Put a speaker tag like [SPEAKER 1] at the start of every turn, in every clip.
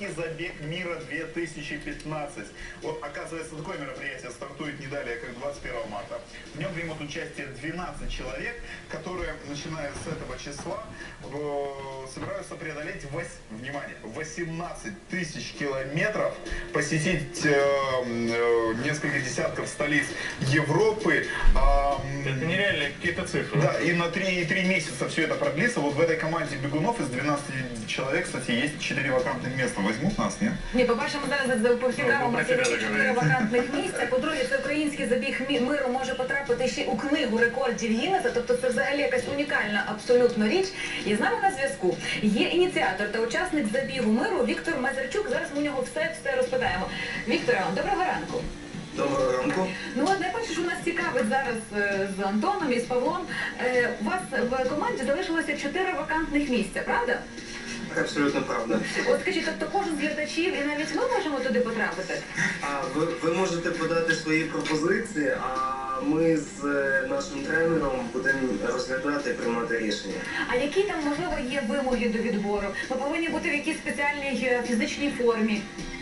[SPEAKER 1] Всероссийский забег мира 2015. Вот, оказывается, такое мероприятие стартует не далее, как 21 марта. В нем примут участие 12 человек, которые, начиная с этого числа, собираются преодолеть, внимание, 18 тысяч километров, посетить несколько десятков столиц Европы.
[SPEAKER 2] Это нереальные какие-то цифры.
[SPEAKER 1] Да, и на 3 месяца все это продлится. Вот в этой команде бегунов из 12 человек, кстати, есть 4 вакантных места. Возьмут нас, нет?
[SPEAKER 3] Ні, по-перше, ми зараз поцікавимося 4 вакантних місця. По-друге, це український забіг миру може потрапити ще у книгу рекордів Гіннеса. Тобто це взагалі якась унікальна абсолютно річ. І з нами на зв'язку є ініціатор та учасник забігу миру Віктор Мазерчук. Зараз ми у нього все розпитаємо. Вікторе, доброго ранку.
[SPEAKER 4] Доброго ранку.
[SPEAKER 3] Ну от найперше, що нас цікавить зараз з Антоном і з Павлом, у вас в команді залишилося 4 вакантних місця, правда?
[SPEAKER 4] Абсолютно правда.
[SPEAKER 3] От скажіть, тобто кожен з глядачів і навіть ми можемо туди потрапити?
[SPEAKER 4] Ви можете подати свої пропозиції, а ми з нашим тренером будемо розглядати і приймати рішення.
[SPEAKER 3] А які там, можливо, є вимоги до відбору? Ми повинні бути в якійсь спеціальній фізичній формі.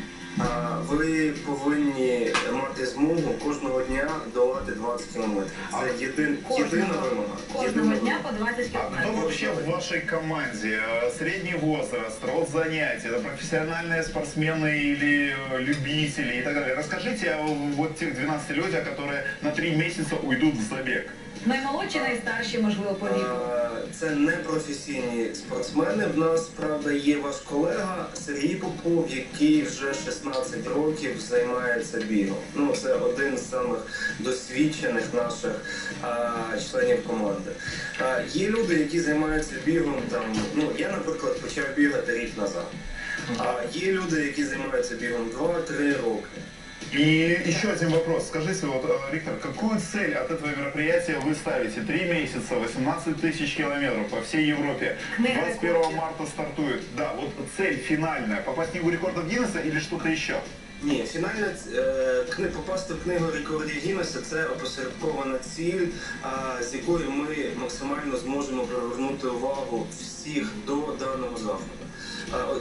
[SPEAKER 4] Ви повинні мати змогу кожного дня долати 20 кілометрів. Це єдина вимога.
[SPEAKER 3] Кожного дня по 20
[SPEAKER 1] А кто
[SPEAKER 3] кілометрів.
[SPEAKER 1] вообще в вашей команде? Средний возраст, род занятий, это профессиональные спортсмены или любители и так далее? Расскажите о вот тех 12 людях, которые на 3 месяца уйдут в забег.
[SPEAKER 3] Наймолодші, найстарші, можливо, по віку.
[SPEAKER 4] Це не професійні спортсмени. В нас, правда, є ваш колега Сергій Попов, який вже 16 років займається бігом. Ну, це один з самих досвідчених наших членів команди. Є люди, які займаються бігом там, ну, я, наприклад, почав бігати рік назад. Є люди, які займаються бігом 2-3 роки.
[SPEAKER 1] И еще один вопрос. Скажите, вот, Виктор, какую цель от этого мероприятия вы ставите? 3 месяца, 18 тысяч километров по всей Европе. 21 марта стартует. Да, вот цель финальная. Попасть в книгу рекордов Гиннесса или что-то еще?
[SPEAKER 4] Ні, фінальна попасти в книгу рекордів Гіннеса – це опосередкована ціль, з якою ми максимально зможемо привернути увагу всіх до даного заходу.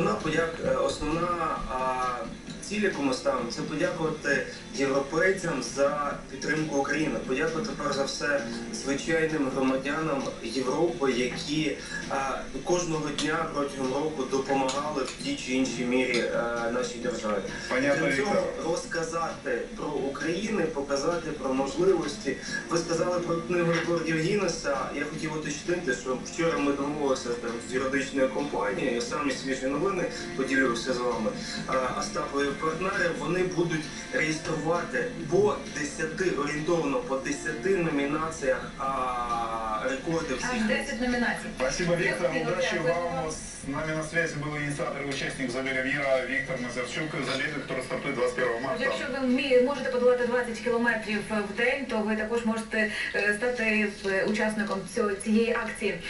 [SPEAKER 4] Основна ціль, яку ми ставимо, це подякувати європейцям за підтримку України, подякувати перш за все звичайним громадянам Європи, які кожного дня протягом року допомагали в тій чи іншій мірі нашій державі. Для цього розказати про Україну, показати про можливості. Ви сказали про книгу рекордів Гіннеса. Я хотів уточнити, що вчора ми домовилися з юридичною компанією, самі свіжі новини поділився з вами, Остапові партнери, вони будуть реєструвати по 10, орієнтовно по 10 номінаціях рекорди всіх.
[SPEAKER 3] Аж 10 номінацій.
[SPEAKER 1] Спасибо, Виктор. Удачи вам. С нами на связи был инициатор и участник забега мира Виктор Мазерчук. Забега, который стартует 21 марта.
[SPEAKER 3] Якщо ви можете подолати 20 кілометрів в день, то ви також можете стати учасником цієї акції.